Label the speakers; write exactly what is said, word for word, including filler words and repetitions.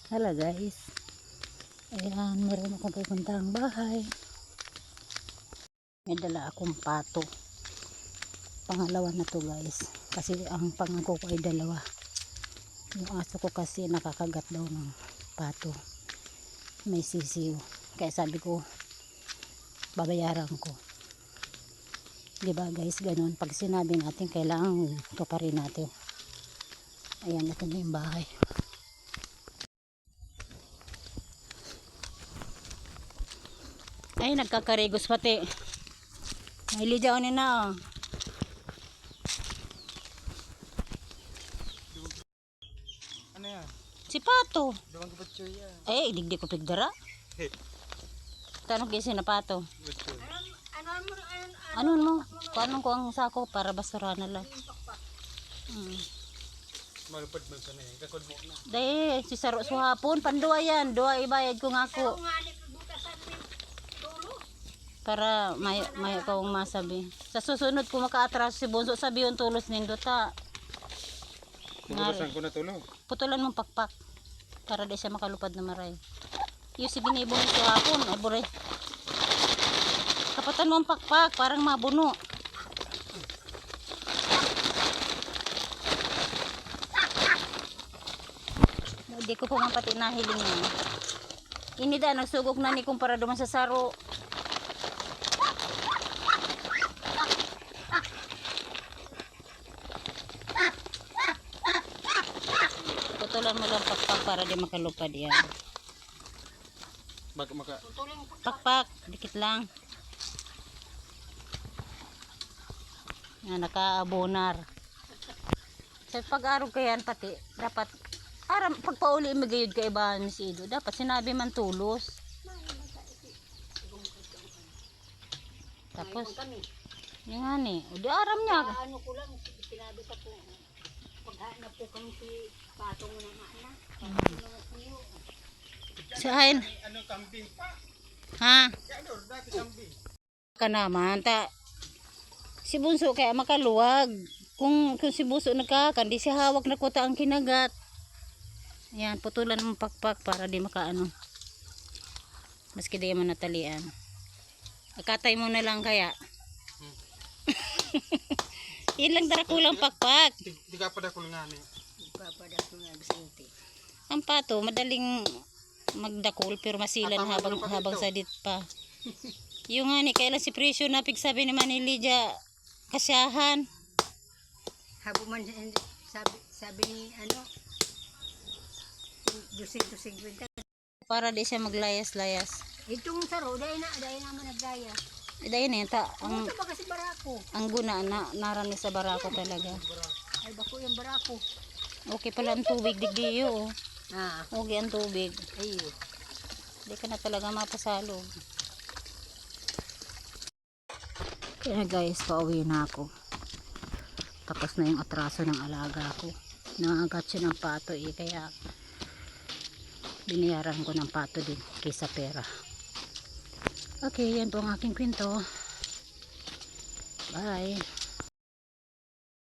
Speaker 1: Hala guys, ayan, meron akong pupuntahang bahay. May dala akong pato. Pangalawa na to guys, kasi ang pangako ko ay dalawa. Yung aso ko kasi nakakagat daw ng pato, may sisiw, kaya sabi ko babayaran ko, diba guys? Ganun, pag sinabi natin kailangan tuparin natin. Ayan, ito na yung bahay. Ay, nagkakarigos pati. May lidyaw ni na. Oh.
Speaker 2: Ano yan?
Speaker 1: Si Pato.
Speaker 2: Dawang kapatyo yan.
Speaker 1: Ay, digdi ko pigdara.
Speaker 2: Hey.
Speaker 1: Tanong kasi na Pato.
Speaker 2: Ano?
Speaker 1: Ano mo? Paano ko ang sako para basura na lang. Hmm.
Speaker 2: Malupad mo sa na yan. Kakod mo na.
Speaker 1: Dahil, si Saro suhapon. Panduwa yan. Duwa ibayad ko nga ako. Para may may kong masabi. Sa susunod ko maka-atras si Bonso, sabi yung tulos nindot ha.
Speaker 2: Bubulasan ko na tulo.
Speaker 1: Putulan mong pakpak para di siya makalupad na maray. Yung si binibong ito hapon, ay buray. Kapatan mo ang pakpak, parang mabuno. Hindi ko po pati nahiling niya. Inida, nagsugok na ni kung para duman sa Saro. Putulan mo lang pakpak para di makalupad yan.
Speaker 2: Maka, maka.
Speaker 1: Pakpak, dikit lang. Yan, nakaabonar. Sa pag-arog kayan pati, dapat, aram, pagpauli magayod ka iba ni si Ido, dapat sinabi man tulos. Tapos, yung nga ni, o di aram niya.
Speaker 3: Ano ko lang, sinabi ka po, paghanap po kami si Patong ng anak.
Speaker 1: Saan?
Speaker 2: Ano kambing pa?
Speaker 1: Ha?
Speaker 2: Ano, dati kambing.
Speaker 1: Ka naman, ta. Si Bunso kaya makaluwag. Kung, kung si Bunso nagkakan, di siya hawak na kuta ang kinagat. Ayan, putulan mong pakpak para di makaano. Maski di man natalian. Akatay mo na lang kaya.
Speaker 2: Hmm.
Speaker 1: Yan lang dara kulang pakpak.
Speaker 2: Di, di ka pa da kulungan eh.
Speaker 3: Ipapadas ko nga Vicente.
Speaker 1: Ang pato, madaling magdakol pero masilan
Speaker 2: Apa,
Speaker 1: habang
Speaker 2: ano pa
Speaker 1: habang
Speaker 2: dito?
Speaker 1: sadit pa. Yung nga ni, kailan si Presyo napig sabi ni Manilidya, kasyahan.
Speaker 3: Habo man sabi, sabi ni ano, two fifty.
Speaker 1: Para di siya maglayas-layas.
Speaker 3: Itong saro, dahil na, dahil naman nagdaya.
Speaker 1: Eh, dahil na yun, ta, ang,
Speaker 3: Ano ba kasi barako?
Speaker 1: ang guna na narami sa barako talaga.
Speaker 3: Ay bako yung barako.
Speaker 1: Okay pala ang tubig, digdiyo. Oh.
Speaker 3: Ah,
Speaker 1: Okay ang tubig.
Speaker 3: ayun.
Speaker 1: Hindi ka na talaga mapasalog. Kaya guys, pauwi na ako. Tapos na yung atraso ng alaga ko. Nangagat siya ng pato eh, kaya binayaran ko ng pato din kaysa pera. Okay, yan po ang aking kwento. Bye!